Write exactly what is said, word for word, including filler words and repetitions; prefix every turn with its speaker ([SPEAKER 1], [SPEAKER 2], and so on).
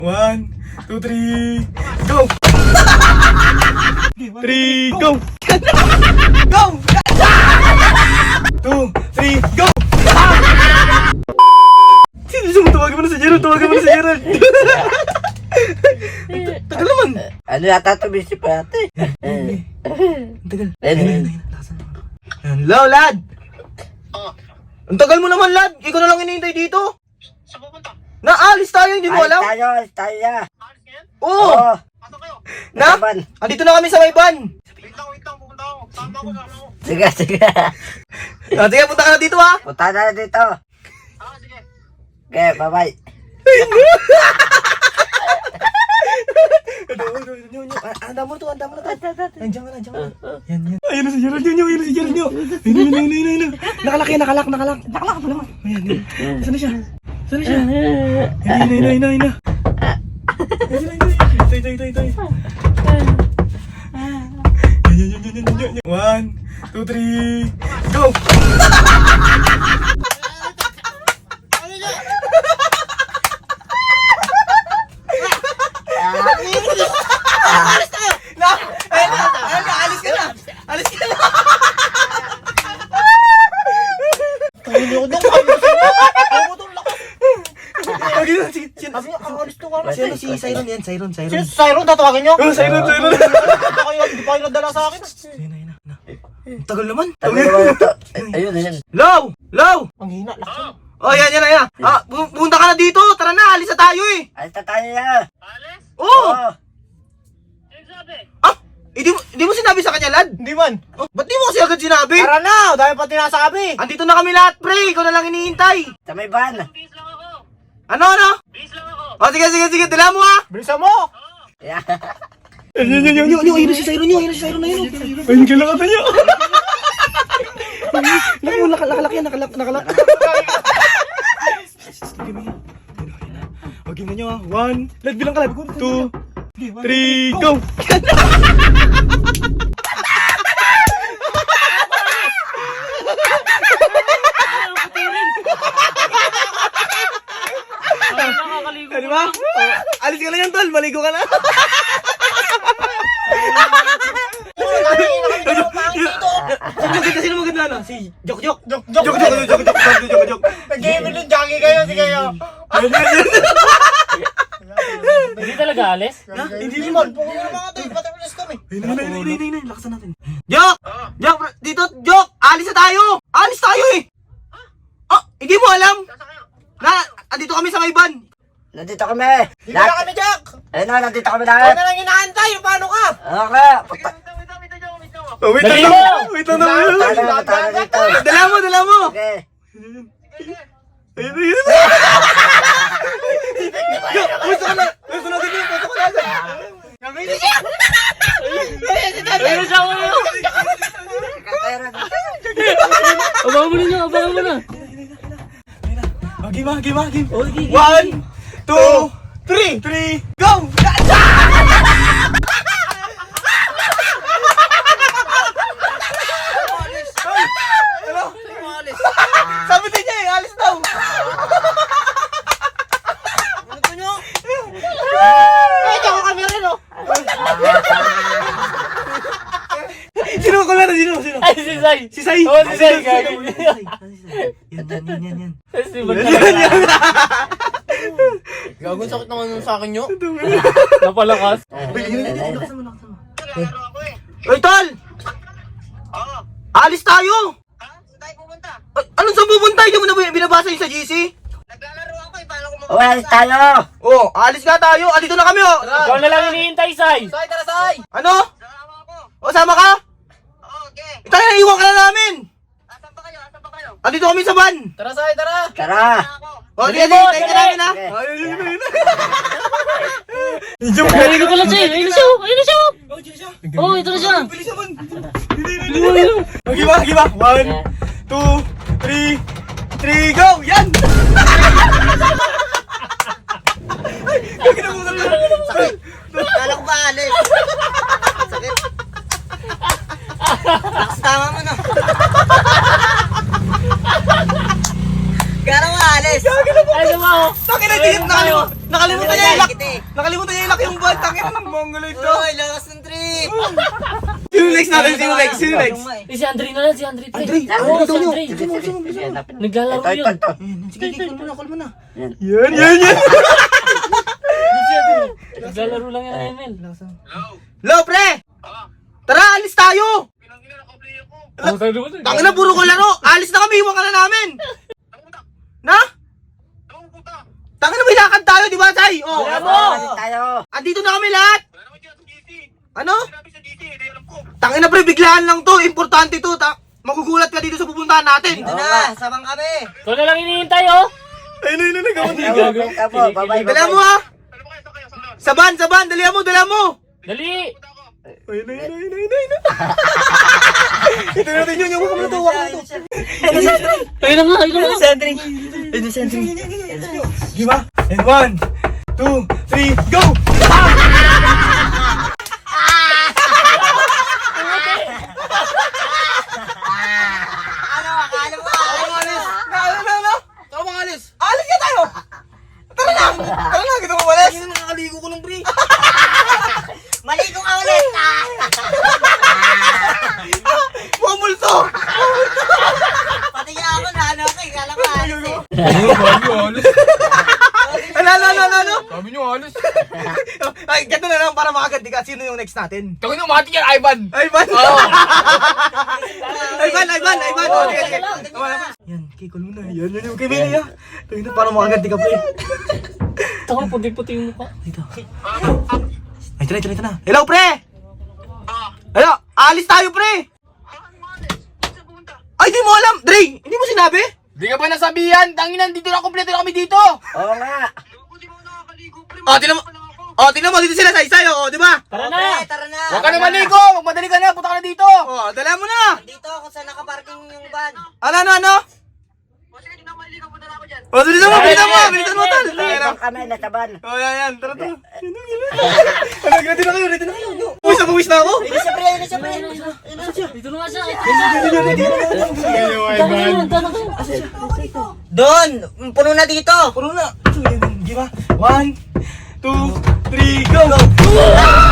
[SPEAKER 1] One, two, three, go! Three, go! Go! Two, three, go! Sino gusto mo? Tawagin mo na si Gerald, tawagin mo na si Gerald. Tagal naman.
[SPEAKER 2] Ano yata ito, busy pa ate?
[SPEAKER 1] Tagal.
[SPEAKER 2] Ayun,
[SPEAKER 1] Hello, lad! Ang tagal mo naman, lad! Ikaw na lang hinihintay dito!
[SPEAKER 3] Saan pupunta?
[SPEAKER 1] Naalis tayo, hindi mo
[SPEAKER 2] alis
[SPEAKER 1] alam?
[SPEAKER 2] tayo, alis tayo na.
[SPEAKER 3] Alis ngayon?
[SPEAKER 1] Oo!
[SPEAKER 2] Oo.
[SPEAKER 3] Pasok kayo.
[SPEAKER 1] Na?
[SPEAKER 2] Naman.
[SPEAKER 1] Andito na kami sa may van!
[SPEAKER 3] Wait lang, wait lang. Pupunta ako. Sama ako, sama ako.
[SPEAKER 2] Sige, sige.
[SPEAKER 1] Ah, sige, punta ka na dito, ha!
[SPEAKER 2] Punta na dito.
[SPEAKER 3] Ah, sige.
[SPEAKER 2] Okay, bye-bye.
[SPEAKER 1] Anda mo na to, anda mo na to. Nandiyan ka na, nandiyan ka na. Yan, yan. Ayun na si Gerald nyo, ayun na si Gerald nyo. Ayun, ayun, ayun, ayun, ayun. Nakalak yan, nakalak, nakalak. Nakalak pa naman. Ayan, yan. Saan na siya? Saan na siya? Ayun, ayun, ayun, ayun, ayun. Ayun, ayun, ayun. Ito, ito, ito, ito. Yan, yan, yan, yan, yan, yan. One, two, three, go! Na! Ayun na! Ayun na! Alis ka na! Alis ka na!
[SPEAKER 3] Tayo niyo doon. Kayo mo sila. Kayo mo doon. Lakas.
[SPEAKER 1] Sige, sige, sige.
[SPEAKER 3] Sabi niya, ang alis to ka.
[SPEAKER 1] Sino si Siron yan? Siron,
[SPEAKER 3] Si
[SPEAKER 1] Siron.
[SPEAKER 3] Siron, tatawagin niyo?
[SPEAKER 1] Oh, Siron, Siron.
[SPEAKER 3] Hindi kayo, hindi pa kayo nadala sa akin.
[SPEAKER 1] Ayun, ayun, ayun. Ang tagal naman.
[SPEAKER 2] Tabi naman ito. Ayun, ayun.
[SPEAKER 1] Low! Low!
[SPEAKER 3] Ang hina, lakas.
[SPEAKER 1] Oh, yan, yan, yan. Ah, pu- punta ka na dito. Tara na, alis na tayo eh.
[SPEAKER 2] Alis na tayo na.
[SPEAKER 3] Alis?
[SPEAKER 1] Oo!
[SPEAKER 2] Oo.
[SPEAKER 3] Ano sabi?
[SPEAKER 1] Ah! Hindi mo, hindi mo sinabi sa kanya, lad?
[SPEAKER 3] Hindi man.
[SPEAKER 1] Oh, ba't di mo kasi agad sinabi?
[SPEAKER 3] Tara na, dahil pa tinasabi.
[SPEAKER 1] Andito na kami lahat, pre. Ikaw na lang hinihintay.
[SPEAKER 2] Sa may van.
[SPEAKER 3] Bis lang ako.
[SPEAKER 1] Ano, ano?
[SPEAKER 3] Bis lang ako.
[SPEAKER 1] Oh, sige, sige, sige. Dala mo, ha?
[SPEAKER 3] Bilisan mo.
[SPEAKER 2] Yeah.
[SPEAKER 1] Ayun, ayun, ayun, ayun. Ayun na si Siron, ayun na si Siron, ayun. Ayun, kailangan niyo. Laki mo, nakalak yan, nakalak, nakalak. Huwag na nyo, ha? One, lad, bilang ka, lad. Two, three, go! Di ba? Oh, alis ka na yan, tol. Maligo ka na. Sino maganda? Sino maganda na? Si Jok Jok.
[SPEAKER 3] Jok, jok.
[SPEAKER 1] Jok Jok. Jok Jok. Jok Jok. Jok.
[SPEAKER 3] Nag-gaming yung jockey kayo, si kayo.
[SPEAKER 4] Hindi talaga alis?
[SPEAKER 1] Ha? Hindi
[SPEAKER 3] Hindi
[SPEAKER 1] mo.
[SPEAKER 3] man, pukunin na mga tayo. Pati ulis kami.
[SPEAKER 1] Ayun, ayun, ayun, ayun, ayun, ayun. Lakasan natin. Jok! Jok! Dito, Jok! Alis na tayo! Alis tayo eh! Ah, hindi mo alam?
[SPEAKER 3] Saan kayo?
[SPEAKER 1] Na, andito kami sa may van.
[SPEAKER 2] Nandito kami.
[SPEAKER 3] Hindi na kami, Jack.
[SPEAKER 2] Ayun na, nandito kami
[SPEAKER 3] Ano
[SPEAKER 2] lahat.
[SPEAKER 3] na lang inaantay? Paano ka?
[SPEAKER 2] Okay.
[SPEAKER 3] Wait lang, wait lang, wait lang, wait lang.
[SPEAKER 1] Oh, wait
[SPEAKER 4] Dali
[SPEAKER 1] lang.
[SPEAKER 4] mo!
[SPEAKER 1] Wait lang na.
[SPEAKER 2] Punta na, punta na dito.
[SPEAKER 1] Dala mo, dala mo.
[SPEAKER 2] Okay.
[SPEAKER 1] Ayun, ayun. Jok, gusto ka na. Gusto natin yun. Gusto ko na.
[SPEAKER 4] Ayun na siya ako na! Abangan mo ninyo, abangan mo na!
[SPEAKER 1] Game, game, game. One, two, three, three, go! Ano? Sabi din niya eh, alis daw.
[SPEAKER 3] Ano nyo? Ay, Jack, kami rin, oh.
[SPEAKER 1] Sino ko na? Sino? Sino?
[SPEAKER 4] Ay, si Sai!
[SPEAKER 1] Si Sai.
[SPEAKER 4] Oo, si Sai,
[SPEAKER 1] Sino?
[SPEAKER 4] gagi.
[SPEAKER 1] Sino? Si Sai. Yan, yan, yan, yan, yan.
[SPEAKER 4] Si Bag talaga.
[SPEAKER 3] Gagawin sakit naman nun sa akin nyo.
[SPEAKER 4] Napalakas.
[SPEAKER 1] Uy, yun, yun, yun, lakasan mo, lakasan mo.
[SPEAKER 3] Naglalaro ako eh.
[SPEAKER 1] Uy, tol!
[SPEAKER 3] Oo.
[SPEAKER 1] Alis tayo!
[SPEAKER 3] Ha? Saan tayo pupunta?
[SPEAKER 1] Ay, anong saan pupunta? Hindi mo na binabasa yung sa G C?
[SPEAKER 3] Naglalaro ako eh. Paano ko
[SPEAKER 2] Oh, alis tayo.
[SPEAKER 1] Oh, alis nga tayo. Andito na kami, oh.
[SPEAKER 4] Ikaw na lang hinihintay, Sai!
[SPEAKER 3] Say, tara, say!
[SPEAKER 1] Ano?
[SPEAKER 3] Sama ako.
[SPEAKER 1] O, sama ka?
[SPEAKER 3] Oo, okay.
[SPEAKER 1] Ito na, iwan ka na namin.
[SPEAKER 3] Asan pa kayo? Asan pa kayo?
[SPEAKER 1] Andito kami sa van.
[SPEAKER 3] Tara, say, tara!
[SPEAKER 2] Tara.
[SPEAKER 3] Tara ako.
[SPEAKER 1] O,
[SPEAKER 4] Dali
[SPEAKER 1] sige,
[SPEAKER 4] mo,
[SPEAKER 1] sige, tayo ka
[SPEAKER 4] dali.
[SPEAKER 1] namin, ha?
[SPEAKER 2] Okay.
[SPEAKER 1] Ay, ayun, ayun, ayun.
[SPEAKER 4] Ayun na pala siya! Ayun na siya! Ayun na siya! Oo, ito na siya!
[SPEAKER 1] Bilis naman. Okay ba? Okay ba? One, two, three, three, go! Yan! Ay, gagawin na muna.
[SPEAKER 3] Kala ko ba alis? Sakit. Lakas tama mo na. Kala ko alis.
[SPEAKER 1] Gagawin na muna.
[SPEAKER 4] Ano ba?
[SPEAKER 1] Bakit na, nakalimutan, nakalimutan niya yung lock. Nakalimutan niya ilaki yung buwan. Tangin na ng mongol ito.
[SPEAKER 3] Uy, lakas ng trip.
[SPEAKER 1] Sino next natin? Sino next? Sino next?
[SPEAKER 4] Eh, si Andre na lang, si Andre. pre.
[SPEAKER 1] Andre,
[SPEAKER 4] Oo,
[SPEAKER 1] Andre,
[SPEAKER 4] si
[SPEAKER 1] Andre.
[SPEAKER 4] Andre.
[SPEAKER 2] Sige, sige, sige, hanapin.
[SPEAKER 4] Naglalaro
[SPEAKER 2] Ito, ito,
[SPEAKER 4] yun.
[SPEAKER 2] ito.
[SPEAKER 1] Sige, call mo na, call mo na.
[SPEAKER 2] Yan.
[SPEAKER 1] Yan, yan, yan.
[SPEAKER 4] Si Andre. Naglalaro lang yan, Emil.
[SPEAKER 1] Lo, pre! Tara, alis tayo!
[SPEAKER 4] Oh, tayo naman eh.
[SPEAKER 1] Tangin na, puro ko laro! Alis na kami, iwan ka na namin! Na? Tangin na, may lakad tayo, di ba, Tay? Oh,
[SPEAKER 2] Tara,
[SPEAKER 1] ano?
[SPEAKER 2] alis tayo.
[SPEAKER 1] Andito na kami lahat! Ano? Tangin na, pre, biglaan lang to. Importante to. Ta magugulat ka dito sa pupuntahan natin.
[SPEAKER 3] Dito na, sabang kami.
[SPEAKER 4] Ikaw na lang hinihintay, oh.
[SPEAKER 1] Ayun, ayun, ayun, ayun.
[SPEAKER 2] Tama, tama, bye-bye,
[SPEAKER 1] Dala mo,
[SPEAKER 2] bye-bye.
[SPEAKER 1] ha? Saban, saban, dali mo, dala mo.
[SPEAKER 4] Dali.
[SPEAKER 1] Ayun, ayun, ayun, ayun, ayun. Ito natin yun, yung wakam na to, wakam na to.
[SPEAKER 4] Ayun na nga, ayun na nga.
[SPEAKER 2] Sentry. Ito, sentry.
[SPEAKER 1] Di ba? And one, two, three, go!
[SPEAKER 3] Ano, akala mo?
[SPEAKER 1] Ano, alis? Ano, ano, ano? Tara mga alis. Alis ka tayo! Tara na! Tara na, kita mo malis. Hindi nakakaligo ko ng pre.
[SPEAKER 3] Maligo ka ulit. Ah!
[SPEAKER 1] Mga multo!
[SPEAKER 3] Pati nga ako na ano kay kala ko alis eh.
[SPEAKER 1] Ano, ano, ano, ano, ano?
[SPEAKER 5] Sabi nyo, alis.
[SPEAKER 1] Ay, ganito na lang para makaganti ka. Sino yung next natin?
[SPEAKER 5] Tawin nyo, mati yan, Ivan.
[SPEAKER 1] Ivan!
[SPEAKER 5] Oo.
[SPEAKER 1] Ivan, Ivan, Ivan! Oh, sige, sige. Tama na. Yan, kikol mo na. Yan, yan yung kay Benny, ha? Tawin na, para makaganti ka, pre.
[SPEAKER 4] Taka, puti-puti yung mukha.
[SPEAKER 1] Dito. Ay, try, try, try na. Hello, pre! Hello, alis tayo, pre! Ay, di mo alam! Dre, hindi mo sinabi?
[SPEAKER 5] Di ka ba nasabihan? Tanginan, dito na, kompleto na kami dito.
[SPEAKER 2] Oo nga.
[SPEAKER 1] Oh, tinan mo. Oh, tinan mo, dito sila sa isa, oh, di ba?
[SPEAKER 4] Tara
[SPEAKER 3] Pre,
[SPEAKER 4] na.
[SPEAKER 3] tara na.
[SPEAKER 5] Huwag ka na maligo. Magmadali ka na, punta ka na dito.
[SPEAKER 1] Oh, dala mo na.
[SPEAKER 3] Dito kung saan nakaparking yung van.
[SPEAKER 1] Ano, ano, ano? Oh, bilisan mo, bilisan mo, bilisan mo, tal.
[SPEAKER 2] Ibang kami, nataban.
[SPEAKER 1] Oh, yan, yan, tara, tara. Ano, ready na kayo, ready na kayo. Puwis na, puwis na ako.
[SPEAKER 3] Ayun siya pre, ayun siya pre.
[SPEAKER 4] Dito na nga siya.
[SPEAKER 1] Ready na, ready na.
[SPEAKER 4] Tara na, tara na.
[SPEAKER 3] Doon, puno na dito.
[SPEAKER 1] Puro na. Di ba? One, two, three, go! Go!